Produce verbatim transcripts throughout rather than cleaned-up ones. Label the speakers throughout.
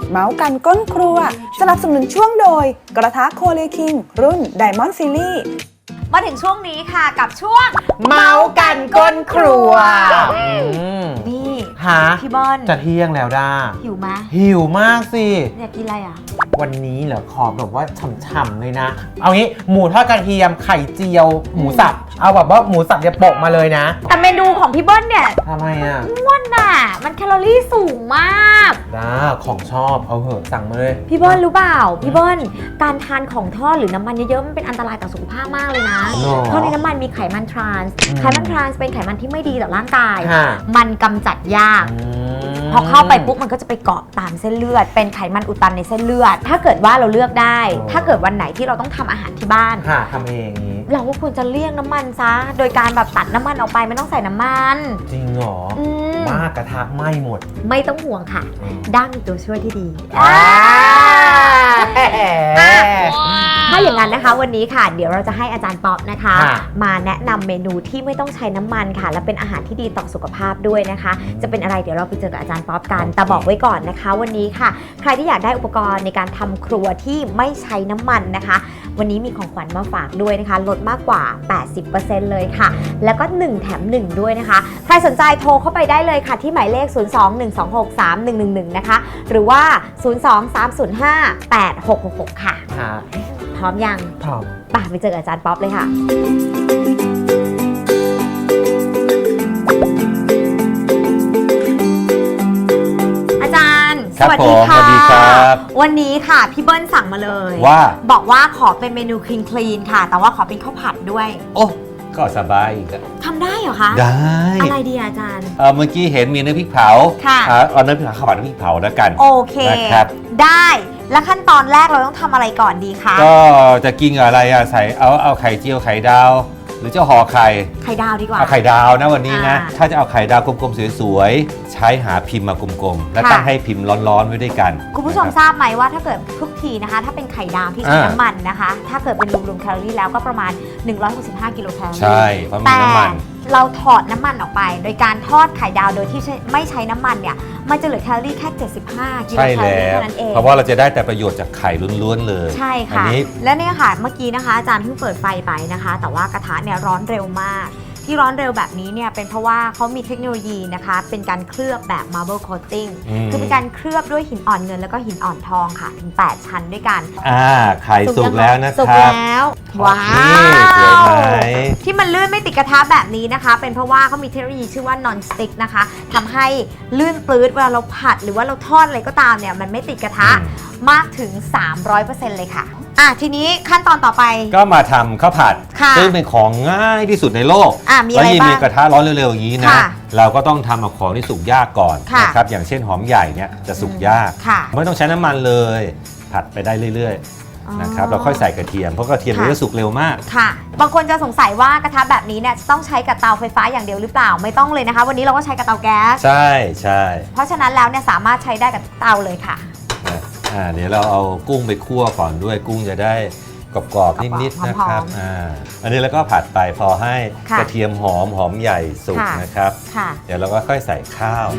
Speaker 1: เมาส์กันก้นครัวสนับสนุนช่วงโดยกระทะโคเรียคิงรุ่น Diamond Series
Speaker 2: มาถึงช่วงนี้ค่ะกับช่วง
Speaker 3: เมาส์กันก้นครัว
Speaker 2: นี่
Speaker 3: ฮะ
Speaker 2: พี่บอล
Speaker 3: จะเที่ยงแล้วด้า
Speaker 2: หิวไหม
Speaker 3: หิวมากสิ
Speaker 2: อยากกินอะไรอ่ะ
Speaker 3: วันนี้เหรอขอแบบว่าฉ่ำๆเลยนะ เอางี้หมูทอดกระเทียมไข่เจียว หมูสับ เอาแบบว่าหมูสับอย่าโปะมาเลยนะ
Speaker 2: แต่เมนูของพี่เบิ้ลเนี่ย
Speaker 3: ทำไมอ่ะ
Speaker 2: อ้วนน่ะมันแคลอรี่สูงมาก
Speaker 3: ด้าของชอบเอาเหอะสั่งมาเลย
Speaker 2: พี่เบิ้ลรู้เปล่าพี่เบิ้ลการทานของทอดหรือน้ำมันเยอะๆมันเป็นอันตรายต่อสุขภาพมากเลยนะ
Speaker 3: หรอ
Speaker 2: เพราะในน้ำมันมีไขมันทรานส์
Speaker 3: อืม
Speaker 2: ไขมันทรานส์เป็นไขมันที่ไม่ดีต่อร่างกาย
Speaker 3: ค่ะ
Speaker 2: มันกำจัดยาก
Speaker 3: อืม
Speaker 2: พอเข้าไปปุ๊บมันก็จะไปเกาะตามเส้นเลือด เป็นไขมันอุดตันในเส้นเลือด ถ้าเกิดว่าเราเลือกได้
Speaker 3: อ๋อ
Speaker 2: ถ้าเกิดวันไหนที่เราต้องทำอาหารที่บ้าน
Speaker 3: ค่ะทำเองนี้
Speaker 2: เราก็ควรจะเลี่ยงน้ำมันซะ โดยการแบบตัดน้ำมันออกไปไม่ต้องใส่น้ำมัน
Speaker 3: จริงเหรอ
Speaker 2: อืม
Speaker 3: มากกระทะไหม้หมด
Speaker 2: ไม่ต้องห่วงค่ะ
Speaker 3: อืม
Speaker 2: ด้ามีตัวช่วยที่ดี
Speaker 3: อ่า
Speaker 2: ถ้าอย่างนั้นนะคะวันนี้ค่ะ เดี๋ยวเราจะให้อาจารย์ป๊อปนะคะ
Speaker 3: ค่ะ
Speaker 2: มาแนะนำเมนูที่ไม่ต้องใช้น้ำมันค่ะ และเป็นอาหารที่ดีต่อสุขภาพด้วยนะคะ จะเป็นอะไรเดี๋ยวเราไปเจอกับอาจารย์ป๊อปกัน แต่บอกไว้ก่อนนะคะ วันนี้ค่ะ ใครที่อยากได้อุปกรณ์ในการทำครัวที่ไม่ใช้น้ำมันนะคะ วันนี้มีของขวัญมาฝากด้วยนะคะลดมากกว่า แปดสิบเปอร์เซ็นต์ เลยค่ะ แล้วก็หนึ่งแถมหนึ่งด้วยนะคะ ใครสนใจโทรเข้าไปได้เลยค่ะที่หมายเลข ศูนย์ สอง หนึ่ง สอง หก สาม หนึ่ง หนึ่ง หนึ่ง นะคะ หรือว่า ศูนย์ สอง สาม ศูนย์ ห้า แปด หก หก หก ค่ะ
Speaker 3: ค่ะ
Speaker 2: พร้อมยัง
Speaker 3: พร้อม
Speaker 2: ป่ะไปเจอกับอาจารย์ป๊อปเลยค่ะ อาจารย์
Speaker 4: ครับ
Speaker 2: สวัสดีค่ะ
Speaker 4: ผมสวัสดีครับ
Speaker 2: วันนี้ค่ะพี่เบิ้ลสั่งมาเลย
Speaker 4: ว่า
Speaker 2: บอกว่าขอเป็นเมนูคลีนคลีนค่ะ แต่ว่าขอเป็นข้าวผัดด้วย
Speaker 4: โอ้ก็สบายอีกอะ
Speaker 2: ทำได้เหรอคะ
Speaker 4: ได้
Speaker 2: อะไรดีอาจารย์
Speaker 4: เออเมื่อกี้เห็นมีน้ำพริกเผา
Speaker 2: ค่ะ
Speaker 4: อ่าเอาน้ำพริกเผาข้าวผัดน้ำพริกเผาแล้วกัน
Speaker 2: โอเค
Speaker 4: นะครับ
Speaker 2: ได้แล้วขั้นตอนแรกเราต้องทำอะไรก่อนดีคะ
Speaker 4: ก็จะกินกับอะไรอะใส่เอาเอาไข่เจียวไข่ดาว หรือจะห่อไข่
Speaker 2: ไข่ดาวดีกว่า
Speaker 4: เอาไข่ดาวนะวันนี้นะ
Speaker 2: อ่า
Speaker 4: ถ้าจะเอาไข่ดาวกลมๆสวยๆใช้หาพิมพ์มากลมๆแล้ว
Speaker 2: ค่ะ
Speaker 4: ตั้งให้พิมพ์ร้อนๆไว้ด้วยกัน
Speaker 2: คุณผู้ชม
Speaker 4: นะ
Speaker 2: ทราบไหมว่าถ้าเกิดทุกทีนะคะ ถ้าเป็นไข่ดาวที่ใช้
Speaker 4: อ่า
Speaker 2: น้ำมันนะคะ ถ้าเกิดเป็นรวมๆแคลอรี่แล้วก็ประมาณ หนึ่งร้อยหกสิบห้า กิโลแคลอรี่
Speaker 4: ใช่เพราะมี
Speaker 2: แต่
Speaker 4: น้ำมัน
Speaker 2: เราถอดน้ำมันออกไป โดยการทอดไข่ดาวโดยที่ไม่ใช้น้ำมันเนี่ยมันจะเหลือแคลอรี่แค่ เจ็ดสิบห้า กิโล
Speaker 4: ใช่
Speaker 2: แคลอ
Speaker 4: แล้
Speaker 2: รี่
Speaker 4: ว
Speaker 2: เท่านั้นเอง
Speaker 4: เพราะว่าเราจะได้แต่ประโยชน์จากไข่ล้วนๆเลย
Speaker 2: ใช่
Speaker 4: อั
Speaker 2: ค่ะ
Speaker 4: นี้
Speaker 2: และเนี่ยค่ะเมื่อกี้นะคะอาจารย์เพิ่งเปิดไฟไปนะคะ แต่ว่ากระทะเนี่ยร้อนเร็วมาก ที่ร้อนเร็วแบบนี้เนี่ยเป็นเพราะว่าเขามีเทคโนโลยีนะคะเป็นการเคลือบแบบ marble coating
Speaker 4: อืม
Speaker 2: คือเป็นการเคลือบด้วยหินอ่อนเงินแล้วก็หินอ่อนทองค่ะถึงแปดชั้นด้วยกัน
Speaker 4: อ่าไข่สุกแล้วนะ
Speaker 2: สุก
Speaker 4: ครับ
Speaker 2: แล้วว้า
Speaker 4: นี่สวยไหม
Speaker 2: ที่มันลื่นไม่ติดกระทะแบบนี้นะคะ เป็นเพราะว่าเขามีเทคโนโลยีชื่อว่า non stick นะคะทำให้ลื่นปลื้ดเวลาเราผัดหรือว่าเราทอดอะไรก็ตามเนี่ยมันไม่ติดกระทะมากถึง สามร้อยเปอร์เซ็นต์ เลยค่ะอ่ะทีนี้ขั้นตอนต่อไป
Speaker 4: ก็มาทำข้าวผัด
Speaker 2: ค่ะ
Speaker 4: ซึ่งเป็นของง่ายที่สุดในโลก
Speaker 2: อ่ะมีอะ
Speaker 4: แล้ว
Speaker 2: ไร
Speaker 4: ยิ่ง
Speaker 2: บ้า
Speaker 4: มี
Speaker 2: ง
Speaker 4: กระทะร้อนเร็วๆอย่างนี้นะ
Speaker 2: ค่ะ
Speaker 4: เราก็ต้องทำเอาของที่สุกยากก่อน
Speaker 2: ค่ะ
Speaker 4: นะครับอย่างเช่นหอมใหญ่เนี่ยจะสุกยาก
Speaker 2: ค่ะ
Speaker 4: ไม่ต้องใช้น้ำมันเลย ผัดไปได้เรื่อยๆนะครับเราค่อยใส่กระเทียมเพราะกระเทียม
Speaker 2: ค่ะ
Speaker 4: มันจะสุกเร็วมาก
Speaker 2: ค่ะ บางคนจะสงสัยว่ากระทะแบบนี้เนี่ยจะต้องใช้กับเตาไฟฟ้าอย่างเดียวหรือเปล่าไม่ต้องเลยนะคะ วันนี้เราก็ใช้กับเตาแก๊ส
Speaker 4: ใช่ใช่
Speaker 2: เพราะฉะนั้นแล้วเนี่ยสามารถใช้ได้กับทุกเตาเลยค่ะ
Speaker 4: นะอ่าเดี๋ยวเราเอากุ้งไปคั่วก่อนด้วยกุ้งจะได้กรอบๆนิดๆนะครับ
Speaker 2: หอมๆ
Speaker 4: อ่าอันนี้แล้วก็ผัดไปพอให้
Speaker 2: ค่ะ
Speaker 4: กระเทียมหอมหอมใหญ่สุก
Speaker 2: ค่ะ
Speaker 4: นะครับ
Speaker 2: ค่ะ
Speaker 4: เดี๋ยวเราก็ค่อยใส่ข้าว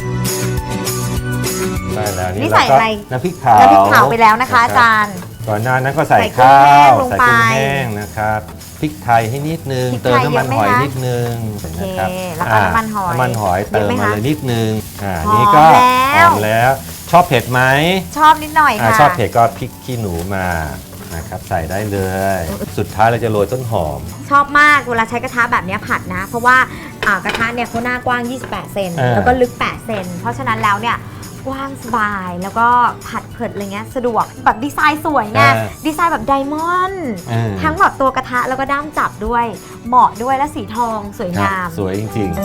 Speaker 4: ได้แล้ว
Speaker 2: นี่
Speaker 4: นี่
Speaker 2: ใส่
Speaker 4: เราก็
Speaker 2: อะไร
Speaker 4: น้ำพริกเผา
Speaker 2: น้ำพริกเผาไปแล้วนะคะ
Speaker 4: รับ
Speaker 2: อาจารย์
Speaker 4: ก่อนหน้านั้นก็ใส่
Speaker 2: ใส่กุ้ง
Speaker 4: ข้าว
Speaker 2: แห้งลง
Speaker 4: ใส่
Speaker 2: ไป
Speaker 4: กุ้งแห้งนะครับพริกไทยให้นิดนึง
Speaker 2: พริก
Speaker 4: เติม
Speaker 2: ไทย
Speaker 4: น้ำมัน
Speaker 2: เยอะไหม
Speaker 4: หอย
Speaker 2: คะ
Speaker 4: นิดนึงนะครับ
Speaker 2: โอเคแล้วก็น้ำมันหอย
Speaker 4: น้ำมันหอย
Speaker 2: เย
Speaker 4: เติ
Speaker 2: อะ
Speaker 4: ม
Speaker 2: ไหม
Speaker 4: มา
Speaker 2: คะ
Speaker 4: เลยนิดนึงอ่า
Speaker 2: หอม
Speaker 4: นี่ก็
Speaker 2: แล้ว
Speaker 4: หอมแล้วชอบเผ็ดไหม
Speaker 2: ชอบนิดหน่อย
Speaker 4: อ่า
Speaker 2: ค่ะ
Speaker 4: ชอบเผ็ดก็พริกขี้หนูมานะครับใส่ได้เลย สุดท้ายเราจะโรยต้นหอม
Speaker 2: ชอบมากเวลาใช้กระทะแบบนี้ผัดนะ เพราะว่าอ่ากระทะเนี่ยเขาหน้ากว้าง ยี่สิบแปด เซน
Speaker 4: เออ
Speaker 2: แล้วก็ลึก แปด เซน เพราะฉะนั้นแล้วเนี่ยกว้างสบายแล้วก็ผัดเผ็ดอะไรเงี้ยสะดวกแบบดีไซน์สวยไงดีไซน์แบบไดมอนด์
Speaker 4: เออ
Speaker 2: ทั้งแบบตัวกระทะแล้วก็ด้ามจับด้วย เหมาะด้วยและสีทองสวยงาม
Speaker 4: สวยจริง ๆ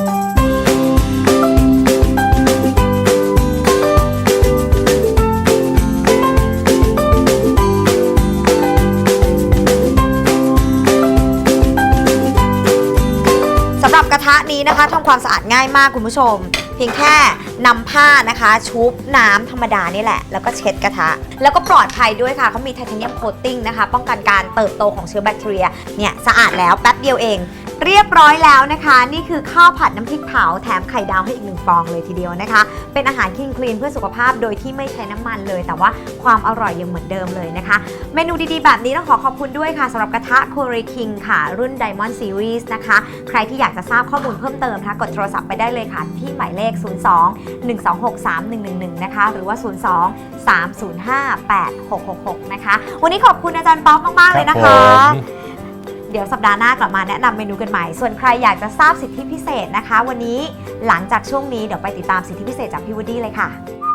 Speaker 2: สำหรับกระทะนี้นะคะทำความสะอาดง่ายมากคุณผู้ชม เพียงแค่นำผ้านะคะชุบน้ำธรรมดานี่แหละแล้วก็เช็ดกระทะแล้วก็ปลอดภัยด้วยค่ะเขามีไทเทเนียมโคตติ้งนะคะป้องกันการเติบโตของเชื้อแบคทีเรียเนี่ยสะอาดแล้วแป๊บเดียวเองเรียบร้อยแล้วนะคะ นี่คือข้าวผัดน้ำพริกเผาแถมไข่ดาวให้อีกหนึ่งฟองเลยทีเดียวนะคะเป็นอาหารคลีนคลีนเพื่อสุขภาพโดยที่ไม่ใช้น้ำมันเลยแต่ว่าความอร่อยยังเหมือนเดิมเลยนะคะเมนูดีๆแบบนี้ต้องขอขอบคุณด้วยค่ะสำหรับกระทะ Kore King ค่ะรุ่น Diamond Series นะคะใครที่อยากจะทราบข้อมูลเพิ่มเติมนะคะกดโทรศัพท์ไปได้เลยค่ะที่หมายเลข ศูนย์ สอง หนึ่ง สอง หก สาม หนึ่ง หนึ่ง หนึ่ง นะคะหรือว่า ศูนย์ สอง สาม ศูนย์ ห้า แปด หก หก หก นะคะวันนี้ขอบคุณอาจารย์ป๊อกมากๆเลยนะคะ เดี๋ยวสัปดาห์หน้ากลับมาแนะนำเมนูกันใหม่ ส่วนใครอยากจะทราบสิทธิพิเศษนะคะ วันนี้หลังจากช่วงนี้เดี๋ยวไปติดตามสิทธิพิเศษจากพี่วูดดี้เลยค่ะ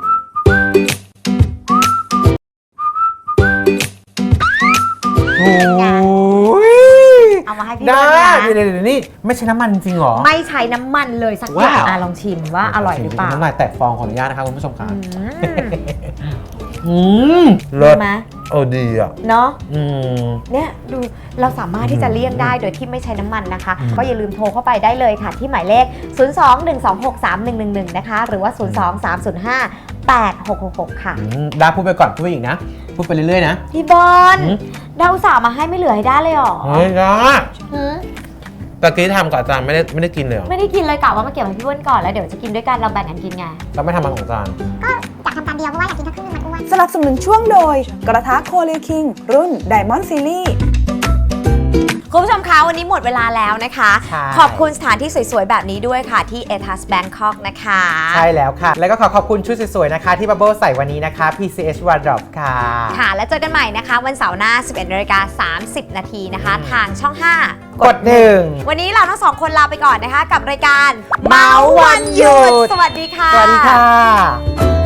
Speaker 3: โอ้ย
Speaker 2: เอามาให้พี่
Speaker 3: ได้
Speaker 2: วูดดี้
Speaker 3: เดี๋ยวเดี๋ยวนี่ไม่ใช่น้ำมันจริงเหรอ
Speaker 2: ไม่ใช้น้ำมันเลยสักอย่าง
Speaker 3: ว้าว
Speaker 2: อ่ะลองชิมว่าอร่อยหรือเปล่า
Speaker 3: น้ำลายแตกฟองขออนุญาตนะคะคุณผู้ชมค่ะ
Speaker 2: อืม
Speaker 3: อืม
Speaker 2: ดีไหม
Speaker 3: โอ้ดีอ่ะ
Speaker 2: เนาะ
Speaker 3: อืม
Speaker 2: เนี่ยดูเราสามารถที่จะเลี่ยงได้โดยที่ไม่ใช้น้ำมันนะคะ
Speaker 3: อืม
Speaker 2: ก็อย่าลืมโทรเข้าไปได้เลยค่ะที่หมายเลข ศูนย์ สอง หนึ่ง สอง หก สาม หนึ่ง หนึ่ง หนึ่ง นะคะหรือว่า ศูนย์ สอง สาม ศูนย์ ห้า แปด หก หก หก ค่ะ
Speaker 3: อืมดาพูดไปก่อนพูดไปอีกนะ พูดไปเรื่อยๆนะ
Speaker 2: พี่บอล
Speaker 3: หืม
Speaker 2: ดาวอุตส่าห์มาให้ไม่เหลือให้ได้เลยเหรอ
Speaker 3: เฮ้ยดา
Speaker 2: หืม
Speaker 3: ตะกี้ทำกับอาจารย์ไม่ได้ไม่ได้กินเลยเหรอ
Speaker 2: ไม่ได้กินเลยกะว่ามาเก็บให้พี่อ้วนก่อนแล้วเดี๋ยวจะกินด้วยกันเราแบ่งกันกินไง
Speaker 3: เราไม่ทำมันของอาจารย์
Speaker 5: อยากทำตามเดียวเพราะว่าอยากกินทั้งครึ่งนึงมันอ้วน
Speaker 1: สนับสนุนช่วงโดย กระทะ Kore King รุ่น Diamond Series
Speaker 2: คุณผู้ชมคะวันนี้หมดเวลาแล้วนะคะ
Speaker 3: ใช่
Speaker 2: ขอบคุณสถานที่สวยๆ แบบนี้ด้วยค่ะที่ เอ ทัส Bangkok นะคะ
Speaker 3: ใช่แล้วค่ะ แล้วก็ขอขอบคุณชุดสวยๆนะคะ ที่บับเบิ้ลใส่วันนี้นะคะ พี ซี เอช Wardrobe ค่ะ
Speaker 2: ค่ะ แล้วเจอกันใหม่นะคะ วันเสาร์หน้า สิบเอ็ดนาฬิกาสามสิบนาทีนะคะ ทางช่อง ห้า
Speaker 3: กดหนึ่ง
Speaker 2: วันนี้เราทั้งสองคนลาไปก่อนนะคะ กับรายการเมาส์วันหยุด สวัสดีค่ะ
Speaker 3: สวัสดีค่ะ